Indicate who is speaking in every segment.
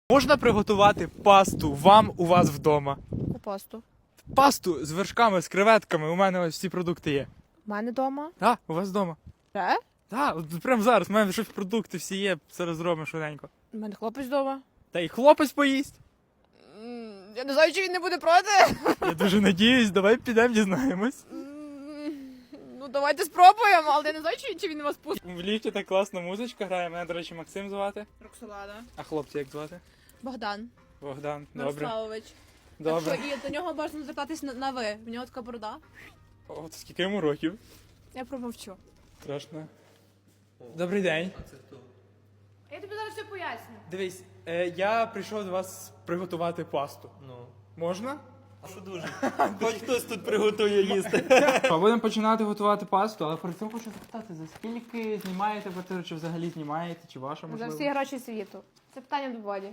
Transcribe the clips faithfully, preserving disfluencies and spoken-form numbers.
Speaker 1: Можна приготувати пасту вам у вас вдома?
Speaker 2: У пасту.
Speaker 1: Пасту з вершками, з креветками. У мене ось всі продукти є.
Speaker 2: У мене вдома.
Speaker 1: Так, у вас вдома.
Speaker 2: Де?
Speaker 1: Так, от прямо зараз. У мене щось продукти всі є, зараз зробимо швиденько.
Speaker 2: У мене хлопець вдома.
Speaker 1: Та й хлопець поїсть.
Speaker 2: Я не знаю, чи він не буде проти.
Speaker 1: Я дуже надіюсь, давай підемо дізнаємось.
Speaker 2: Ну, давайте спробуємо, але я не знаю, чи, чи він вас пустить.
Speaker 1: В ліфті так класна музичка грає. Мене, до речі, Максим звати.
Speaker 2: Роксолада.
Speaker 1: А хлопця як звати?
Speaker 2: Богдан.
Speaker 1: Богдан. Добре.
Speaker 2: Мирославович.
Speaker 1: Добре.
Speaker 2: Так що, і до нього можна звертатись на, на ви. В нього така борода.
Speaker 1: О, скільки йому років?
Speaker 2: Я промовчу.
Speaker 1: Страшно. Добрий день.
Speaker 2: Я тобі зараз все поясню.
Speaker 1: Дивись, е, я прийшов до вас приготувати пасту.
Speaker 3: Ну,
Speaker 1: Можна?
Speaker 3: а що дуже? Хоч хтось тут приготує їсти.
Speaker 1: Будемо починати готувати пасту, але перед цим хочу запитати, за скільки знімаєте квартиру, чи взагалі знімаєте, чи ваша
Speaker 2: За
Speaker 1: можливо?
Speaker 2: всі гроші світу. Це питання до Волі.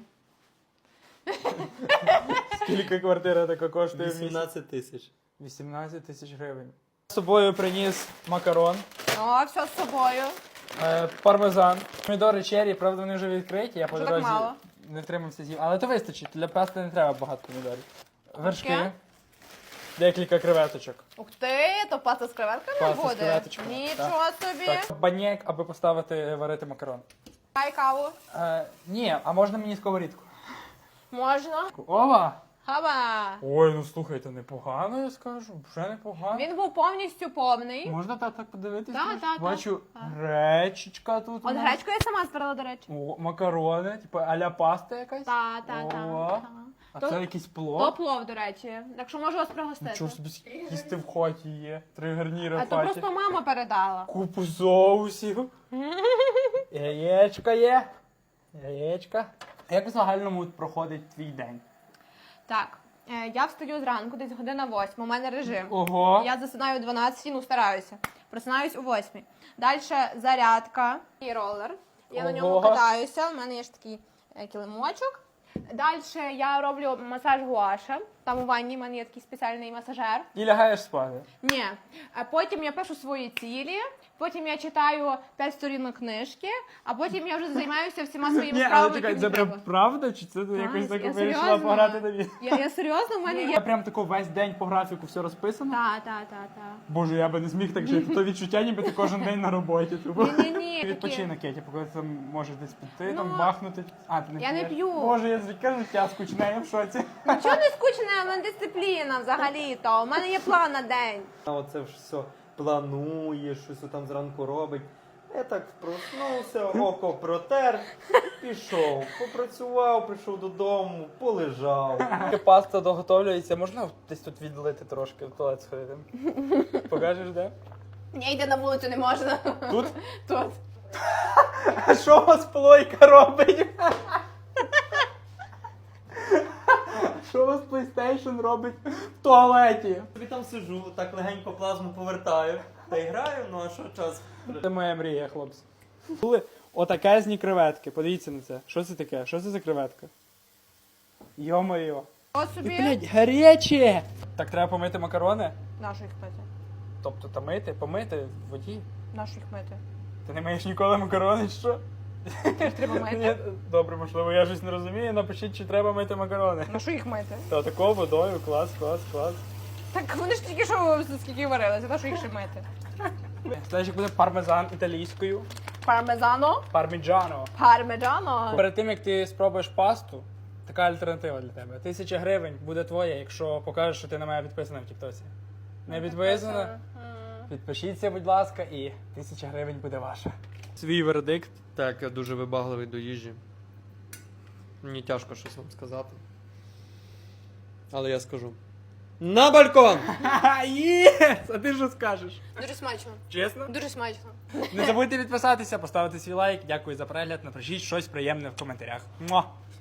Speaker 1: Скільки квартира така коштує в місяць?
Speaker 3: вісімнадцять тисяч.
Speaker 1: вісімнадцять тисяч гривень. З собою приніс макарон,
Speaker 2: О, все з собою.
Speaker 1: е, пармезан, помідори черрі, правда вони вже відкриті, я по
Speaker 2: Що так
Speaker 1: дорозі
Speaker 2: мало?
Speaker 1: не втримався з'їв. Але то вистачить, для пасти не треба багато помідорів. Вершки,
Speaker 2: Таке?
Speaker 1: декілька креветочок.
Speaker 2: Ух ти, то паста з креветками
Speaker 1: Паста з
Speaker 2: буде?
Speaker 1: креветочками,
Speaker 2: Нічого собі.
Speaker 1: Так, банєк, аби поставити варити макарон.
Speaker 2: Дай каву.
Speaker 1: Е, ні, а можна мені сковорідку?
Speaker 2: Можна.
Speaker 1: Ова!
Speaker 2: Хаба.
Speaker 1: Ой, ну слухайте, непогано, я скажу, вже непогано.
Speaker 2: Він був повністю повний.
Speaker 1: Можна так, так подивитися?
Speaker 2: Так, так,
Speaker 1: Бачу,
Speaker 2: так.
Speaker 1: гречечка тут. у
Speaker 2: От
Speaker 1: нас.
Speaker 2: гречку я сама збирала, до речі.
Speaker 1: О, макарони, типу аля паста якась.
Speaker 2: Та, та, та.
Speaker 1: О,
Speaker 2: та.
Speaker 1: А
Speaker 2: То-
Speaker 1: це якийсь плов.
Speaker 2: То плов, до речі. Так що можу вас пригостити.
Speaker 1: Нічого собі їсти в хаті є. Три гарніри
Speaker 2: А
Speaker 1: в
Speaker 2: то
Speaker 1: хаті.
Speaker 2: просто мама передала.
Speaker 1: Купу соусів. Яєчка є. Яєчка. Як в загальному проходить твій день?
Speaker 2: Так, е, я встаю зранку, десь година восьма, у мене режим.
Speaker 1: Ого.
Speaker 2: Я засинаю о дванадцятій, ну стараюся. Просинаюсь о восьмій. Далі зарядка і ролер. Я на ньому
Speaker 1: Ого.
Speaker 2: катаюся, у мене є ж такий е, килимочок. Далі я роблю масаж гуаша. Там у ванні в мене є такий спеціальний масажер.
Speaker 1: І лягаєш спати.
Speaker 2: Ні. А потім я пишу свої цілі, потім я читаю п'ять сторінок книжки, а потім я вже займаюся всіма своїми
Speaker 1: Ні, але
Speaker 2: справами,
Speaker 1: чекай,
Speaker 2: які
Speaker 1: це
Speaker 2: мені
Speaker 1: прям
Speaker 2: треба.
Speaker 1: правда? Чи це ти
Speaker 2: Так,
Speaker 1: якось так
Speaker 2: я
Speaker 1: вирішила
Speaker 2: серйозно.
Speaker 1: пограти на віз?
Speaker 2: Я, я серйозно, в мене
Speaker 1: Я
Speaker 2: є.
Speaker 1: прям тако весь день по графіку все розписано?
Speaker 2: Так, так, так, так.
Speaker 1: Боже, я би не зміг так жити. То відчуття, ніби ти кожен день на роботі. Типу.
Speaker 2: Ні-ні-ні.
Speaker 1: Відпочинок, я типу, коли ти там можеш десь піти, там
Speaker 2: Ну,
Speaker 1: бахнути. А, ти не
Speaker 2: я не
Speaker 1: п'єш?
Speaker 2: п'ю.
Speaker 1: Боже, я звідки життя скучне, я в шоці.
Speaker 2: Нічого не скучне, у мене дисципліна взагалі-то. У мене є план на день.
Speaker 3: А оце ж все планує, щось там зранку робить. Я так проснувся, око протер, пішов, попрацював, прийшов додому, полежав.
Speaker 1: Паста доготовлюється, можна десь тут відлити трошки в туалет сходити? Покажеш, де?
Speaker 2: Ні, йти на вулицю не можна.
Speaker 1: Тут?
Speaker 2: Тут.
Speaker 1: А що у вас плойка робить? Що у вас PlayStation робить в туалеті?
Speaker 3: Тобі там сижу, так легенько плазму повертаю. Та й граю, ну а що час?
Speaker 1: Це моя мрія, хлопці. Були отакезні креветки. Подивіться на це. Що це таке? Що це за креветка? Йо-моє.
Speaker 2: От
Speaker 1: І,
Speaker 2: собі.
Speaker 1: блядь, гаряче! Так треба помити макарони?
Speaker 2: Нашу їх мити.
Speaker 1: Тобто та мити, помити в воді.
Speaker 2: Нашу їх мити.
Speaker 1: Ти не маєш ніколи макарони, чи що?
Speaker 2: Треба мити.
Speaker 1: Ні, добре, можливо, я щось не розумію. Напишіть, чи треба мити макарони.
Speaker 2: Нашу їх мити.
Speaker 1: Та такою водою, клас, клас, клас.
Speaker 2: Так вони ж тільки що скільки варилися, нашу їх ще мити.
Speaker 1: Слайчик буде пармезан італійською.
Speaker 2: Пармезано.
Speaker 1: Парміджано.
Speaker 2: Пармеджано.
Speaker 1: Перед тим, як ти спробуєш пасту, така альтернатива для тебе. Тисяча гривень буде твоя, якщо покажеш, що ти на мене підписана в Тіктоці. Не підписана? Підпишіться, будь ласка, і тисяча гривень буде ваша. Свій вердикт.
Speaker 3: Так, я дуже вибагливий до їжі. Мені тяжко щось вам сказати. Але я скажу. На балкон!
Speaker 1: Ха-ха, єс! А ти що скажеш?
Speaker 2: Дуже смачно.
Speaker 1: Чесно?
Speaker 2: Дуже смачно.
Speaker 1: Не забудьте підписатися, поставити свій лайк. Дякую за перегляд. Напишіть щось приємне в коментарях. Муа!